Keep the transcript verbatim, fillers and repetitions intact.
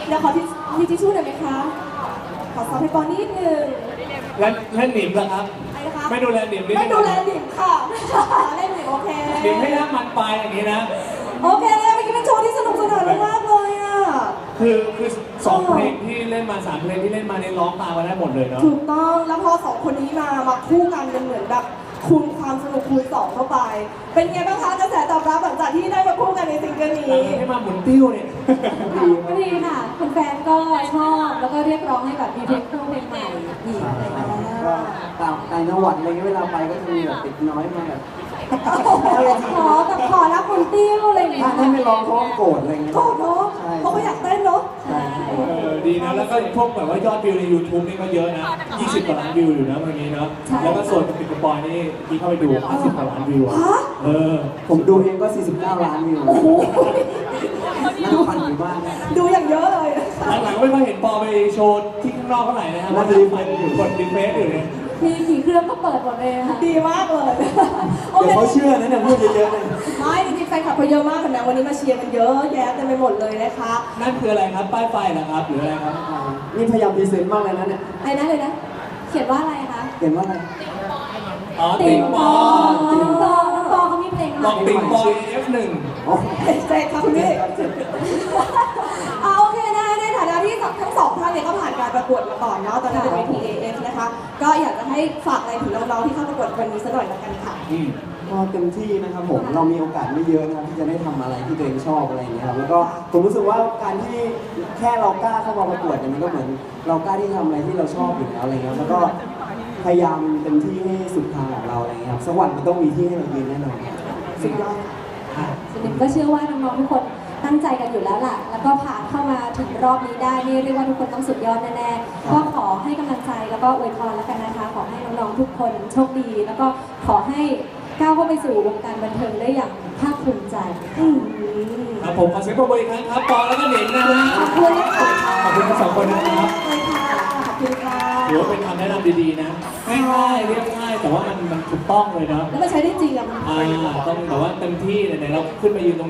เดี๋ยวขอที่มีทิชชู่หน่อยไหมคะขอซอฟให้ปอนิดนึงแล้วแล้วหนิมล่ะครับอะไรนะคะไม่ดูแลหนิมนิดนึงไม่ดูแลหนิมค่ะเล่นหนิมโอเคหนิมให้น้ำมันปลายอย่างนี้นะโอเคเลยเมื่อกี้เป็นโชว์ที่สนุกสนานมากเลยอ่ะคือคือสองเพลงที่เล่นมาสามเพลงที่เล่นมาในร้องตามกันได้หมดเลยเนาะถูกต้องแล้วพอสองคนนี้มามาคู่กันเป็นเหมือนแบบคูณความสนุกคูณสองเข้าไป เป็นไงบ้างคะกระแสตอบรับหลังจากที่ได้มาคู่กันในซิงเกิลหลันี้งให้มาหมุนติ้วเนี่ยก็ดีค่ะคุณแฟนก็ชอบแล้วก็เรียกร้องให้แบบมีเพลงคู่เพลงใหม่อีกอะไรอย่างเงี้ยก็ตามในนวัดอะไรเงี้ยเวลาไปก็จะมีแบบติดน้อยมาแบบขอแบบขอรับคนติ้วอะไรอย่างเงี้ยถ้าให้ไม่ร้องเขาก็โกรธอะไรเงี้ยโกรธเนาะใช่เพราะเขาอยากเต้นเนาะใช่เออดีนะแล้วก็พวกแบบว่ายอดวิวใน YouTube นี่ก็เยอะนะยี่สิบกว่าล้านวิวอยู่นะเมื่อกี้เนาะแล้วก็ส่วนติดกระปอยนี่ที่เข้าไปดูห้าสิบกว่าล้านวิวอะฮะเออผมดูเองก็สี่สิบเก้าล้านวิวโอ้โหน่าพันอยู่บ้างนะดูอย่างเยอะเลยหลังๆไม่ค่อยเห็นปอไปโชว์ที่ข้างนอกเท่าไหร่นะครับน่าจะรีเฟรชอยู่กดรีเฟรชอยู่เนี่ยมีกี่เครื่องก็เปิดหมดเลยค่ะดีมากเลยโอเดี๋ยวเคเขาเชื่อนะเนี่ยพูดเยอะๆเลยไม่จริงๆแฟนคลับเขาเยอะมากเห็นไหมวันนี้มาเชียร์กันเยอะแยะเต็มไปหมดเลยนะคะนั่นคืออะไรครับ ป้ายไฟนะครับหรืออะไรครับนี่พยายามพรีเซนต์มากเลยนะเนี่ยไอ้นะเลยนะ เขียนว่าอะไรคะเห็นว่าอะไรอ๋อติติงงปปอองติงปองน้องปอเขามีเพลงใหบม่อกติงปอง เอฟ หนึ่งอ๋อใจครับคุณพี่เอาโอเคนะในฐานะที่ทั้งสองท่านเนี่ยก็ผ่านการประกวดมาก่อนเนาะตอนนั้นเป็นเวที เอ เอฟ นะคะ ก็อยากจะให้ฝากอะไรถึงน้องๆที่เข้าประกวดวันนี้สักหน่อยละกันค่ะอืมก็เต็มที่นะครับผมเรามีโอกาสไม่เยอะนะครับที่จะได้ทำอะไรที่ตัวเองชอบอะไรอย่างเงี้ยครับแล้วก็ผมรู้สึกว่าการที่แค่เรากล้าเข้ามาประกวดเนี่ยมันก็เหมือนเรากล้าที่ทำอะไรที่เราชอบอยู่แล้วอะไรเงี้ยแล้วก็พยายามเต็มที่ให้สุดทางของเราอะไรเงี้ยครับสักวันมันต้องมีที่ให้เรายืนแน่นอนสุดยอดส่วนหนึ่งก็เชื่อว่าน้องๆทุกคนตั้งใจกันอยู่แล้วล่ะ แล้วก็ผ่านเข้ามาถึงรอบนี้ได้นี่เรียกว่าทุกคนต้องสุดยอดแน่ๆ ก็ขอให้กำลังใจแล้วก็อวยพรแล้วกันนะคะ ขอให้น้องๆทุกคนโชคดี แล้วก็ขอให้ก้าวเข้าไปสู่วงการบันเทิงได้อย่างภาคภูมิใจอืมครับผมขอเสียงปรบมืออีกครั้งครับปองแล้วก็หนิงนะฮะขอบคุณนะคะขอบคุณทั้งสองคนนะครับเลยค่ะขอบคุณค่ะถือว่าเป็นคำแนะนำดีๆนะง่ายๆเรียบง่ายแต่ว่ามันมันถูกต้องเลยเนาะแล้วมันใช้ได้จริงอะมันอ่าต้องแบบว่าเต็มที่ไหนๆเราขึ้นมายืนตรง